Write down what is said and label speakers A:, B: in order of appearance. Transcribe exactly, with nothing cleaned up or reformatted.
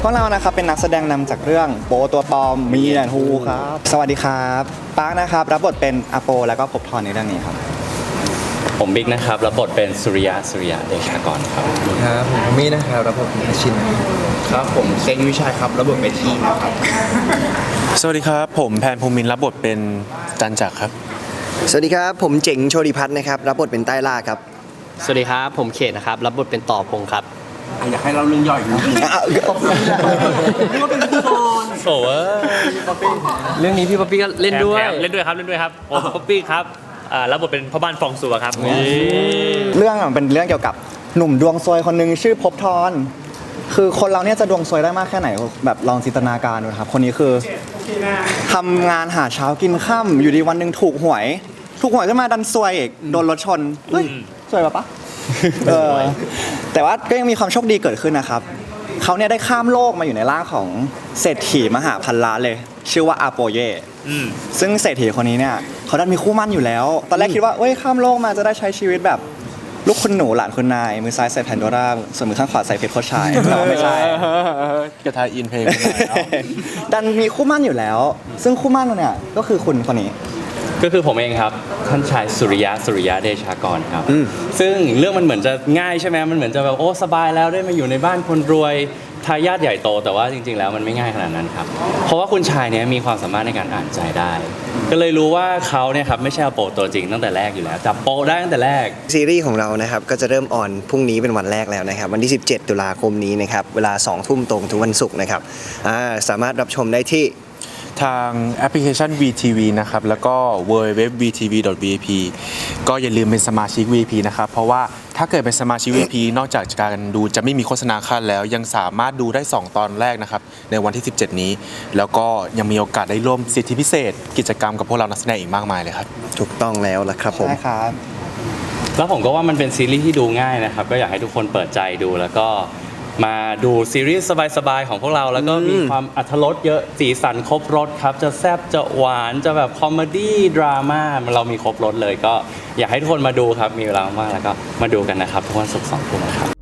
A: วกเรานะครับเป็นนักแสดงนำจากเรื่องโปตัวปลอมมีแอนฮูครับสวัสดีครับปาร์คนะครับรับบทเป็นอโปแล้วก็ภพทรในเรื่องนี้ครับ
B: ผมบิ๊กนะครับรับบทเป็นสุริยะสุริยะเดชากรครับ
C: ครับผมมีนะครับรับบทเป็นอาชิน
D: ครับผมเซงวิชัยครับรับบทเป็นทีนะครับ
E: สวัสดีครับผมแพนภูมินทร์รับบทเป็นจันจักรครับ
F: สวัสดีครับผมเจ๋งโชติพัฒน์นะครับรับบทเป็นใต้ล่าครับ
G: สวัสดีครับผมเขตนะครับรับบทเป็นต่อพงครับ
D: อยากให้เราเรื่องย่อยนะนี่ก็เป็นพี่บอล
B: โอ้
G: เรื่องนี้พี่ป๊อปปี้ก็เล่นด้วย
H: เล่นด้วยครับเล่นด้วยครับผมป๊อปปี้ครับรับบทเป็นพ่อบ้านฟองสัวครับ
A: เรื่องมันเป็นเรื่องเกี่ยวกับหนุ่มดวงซวยคนหนึ่งชื่อภพทรคือคนเราเนี่ยจะดวงซวยได้มากแค่ไหนแบบลองจินตนาการดูครับคนนี้คือทำงานหาเช้ากินค่ำอยู่ดีวันหนึ่งถูกหวยถูกหวยขึ้นมาดันซวยอีกโดนรถชนเฮ้ยซวยปะปะเออแต่ว่าก็ยังมีความโชคดีเกิดขึ้นนะครับเขาเนี่ยได้ข้ามโลกมาอยู่ในร่างของเศรษฐีมหาพันล้านเลยชื่อว่าอาโปเย่ซึ่งเศรษฐีคนนี้เนี่ยเขาดันมีคู่มั่นอยู่แล้วตอนแรกคิดว่าเอ้ยข้ามโลกมาจะได้ใช้ชีวิตแบบลูกคุณหนูหลานคุณนายมือซ้ายใส่แพนโดร่าส่วนมือข้างขวาใส่เพชรโคชายแต่ว่าไม่ใช่
E: กระทายอินเพลง
A: ดันมีคู่มั่นอยู่แล้วซึ่งคู่มั่นเนี่ยก็คือคุณคนนี้
B: ก็คือผมเองครับท่านชายสุริยะสุริยะเดชากรครับซึ่งเรื่องมันเหมือนจะง่ายใช่ไหมมันเหมือนจะแบบโอ้สบายแล้วได้มาอยู่ในบ้านคนรวยทายาทใหญ่โตแต่ว่าจริงๆแล้วมันไม่ง่ายขนาดนั้นครับเพราะว่าคุณชายเนี่ยมีความสามารถในการอ่านใจได้ก็เลยรู้ว่าเขาเนี่ยครับไม่ใช่อโปตัวจริงตั้งแต่แรกอยู่แล้วจับโปได้ตั้งแต่แรก
F: ซีรีส์ของเรานะครับก็จะเริ่มออนพรุ่งนี้เป็นวันแรกแล้วนะครับวันที่สิบเจ็ดตุลาคมนี้นะครับเวลาสองทุ่มตรงทุกวันศุกร์นะครับสามารถรับชมได้ที่
E: ทางแอปพลิเคชัน วี ที วี นะครับแล้วก็ ดับเบิลยู ดับเบิลยู ดับเบิลยู ดอท วี ที วี ดอท วี ไอ พี ก็อย่าลืมเป็นสมาชิก วี ไอ พี นะครับเพราะว่าถ้าเกิดเป็นสมาชิก วี ไอ พี นอกจากการดูจะไม่มีโฆษณาขั้นแล้วยังสามารถดูได้สองตอนแรกนะครับในวันที่สิบเจ็ดนี้แล้วก็ยังมีโอกาสได้ร่วมสิทธิพิเศษกิจกรรมกับพวกเรานักแสดงอีกมากมายเลยครับ
F: ถูกต้องแล้วล่ะครับผม
A: ใช่ครับ
B: แล้วผมก็ว่ามันเป็นซีรีส์ที่ดูง่ายนะครับก็อยากให้ทุกคนเปิดใจดูแล้วก็มาดูซีรีส์สบายๆของพวกเราแล้วก็มีความอรรถรสเยอะสีสันครบรสครับจะแซ่บจะหวานจะแบบคอมเมดี้ดราม่าเรามีครบรสเลยก็อยากให้ทุกคนมาดูครับมีเวลามากแล้วก็มาดูกันนะครับทุกวันศุกร์สองทุ่มครับ